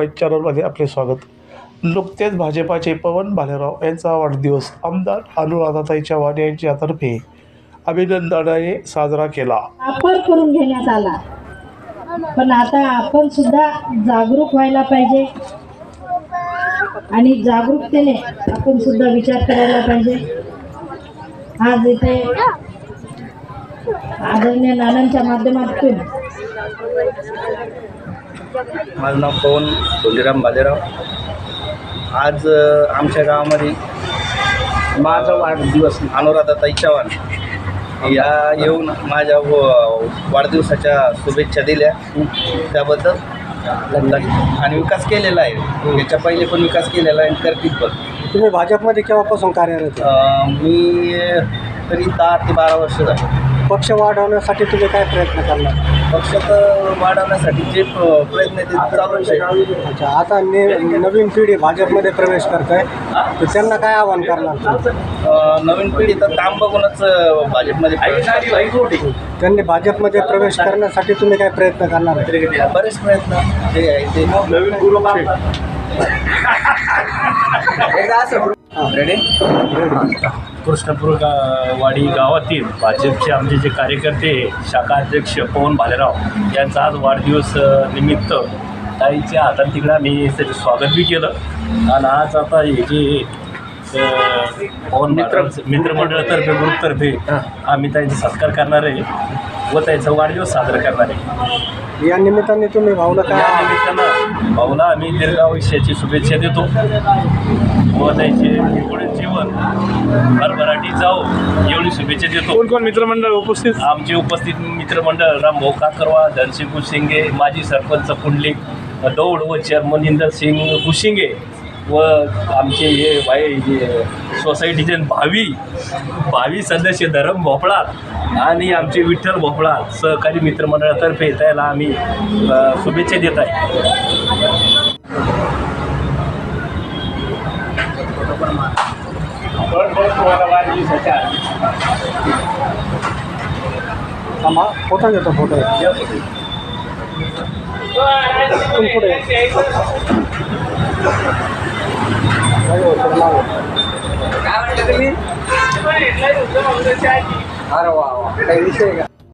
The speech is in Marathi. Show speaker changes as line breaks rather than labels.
पंच चॅनलमध्ये आपले स्वागत। नुकतेच भाजपाचे पवन भालेराव यांचा वाढदिवस आमदार अनुराधाताई चव्हाण यांच्यातर्फे अभिनंदनाने साजरा केला।
वापर करून घेण्यात आला, पण आता आपण सुद्धा जागरूक व्हायला पाहिजे आणि जागरूकतेने आपण सुद्धा विचार करायला पाहिजे। आज इथे आदरणीय नानांच्या माध्यमातून
माझं नाव पवन धोंडीराम भालेराव। आज आमच्या गावामध्ये माझा वाढदिवस अनुराधाताई चव्हाण या येऊन माझ्या वाढदिवसाच्या शुभेच्छा दिल्या, त्याबद्दल आणि विकास केलेला आहे। याच्या पहिले पण विकास केलेला आहे, करतील पण।
तुम्ही भाजपमध्ये केव्हापासून कार्यरत?
मी तरी 10 ते 12 वर्ष झाले।
पक्ष वाढवण्यासाठी तुम्ही काय प्रयत्न करणार?
पक्षात वाढवण्यासाठी जे प्रयत्न ते चालू आहे।
अच्छा, आता नवीन पिढी भाजपमध्ये प्रवेश करत आहे, तर त्यांना काय आवाहन करणार?
नवीन पिढी तर काम बघूनच भाजपमध्ये प्रवेश करते।
त्यांनी भाजपमध्ये प्रवेश करण्यासाठी तुम्ही काय प्रयत्न करणार?
बरेच प्रयत्न जे आहे ते नवीन गुरु रेडी।
कृष्णपूर वाडी गावातील भाजपचे आमचे जे कार्यकर्ते शाखा अध्यक्ष पवन भालेराव यांचा आज वाढदिवस निमित्त ताईच्या हातात तिकडं आम्ही त्याचं स्वागत बी केलं। आणि आज आता हे जे पवन मित्रमंडळातर्फे ग्रुपतर्फे आम्ही त्यांचा सत्कार करणार आहे व त्यांचा वाढदिवस साजरा करणार आहे।
या निमित्ताने तुम्ही भाऊला
या
काय
निमित्तानं भाऊला आम्ही दीर्घ आयुष्याची शुभेच्छा देतो व त्यांचे पुढील जीवन भरभराटी जाओ एवढी शुभेच्छा देतो।
कोण कोण मित्रमंडळ उपस्थित?
आमचे उपस्थित मित्रमंडळ रामभाऊ काकरवा, धनसिंग गुशिंगे, माजी सरपंच पुंडलिक दौड व चेअरमन इंदर सिंग गुशिंगे व आमचे हे सोसायटीचे भावी सदस्य धरम भोपळा आणि आमचे विठ्ठल भोपळा सहकारी मित्रमंडळातर्फे त्याला आम्ही शुभेच्छा देत आहे।
फोटो घेतो, फोटो पुढे अरे वा, काही विषय का?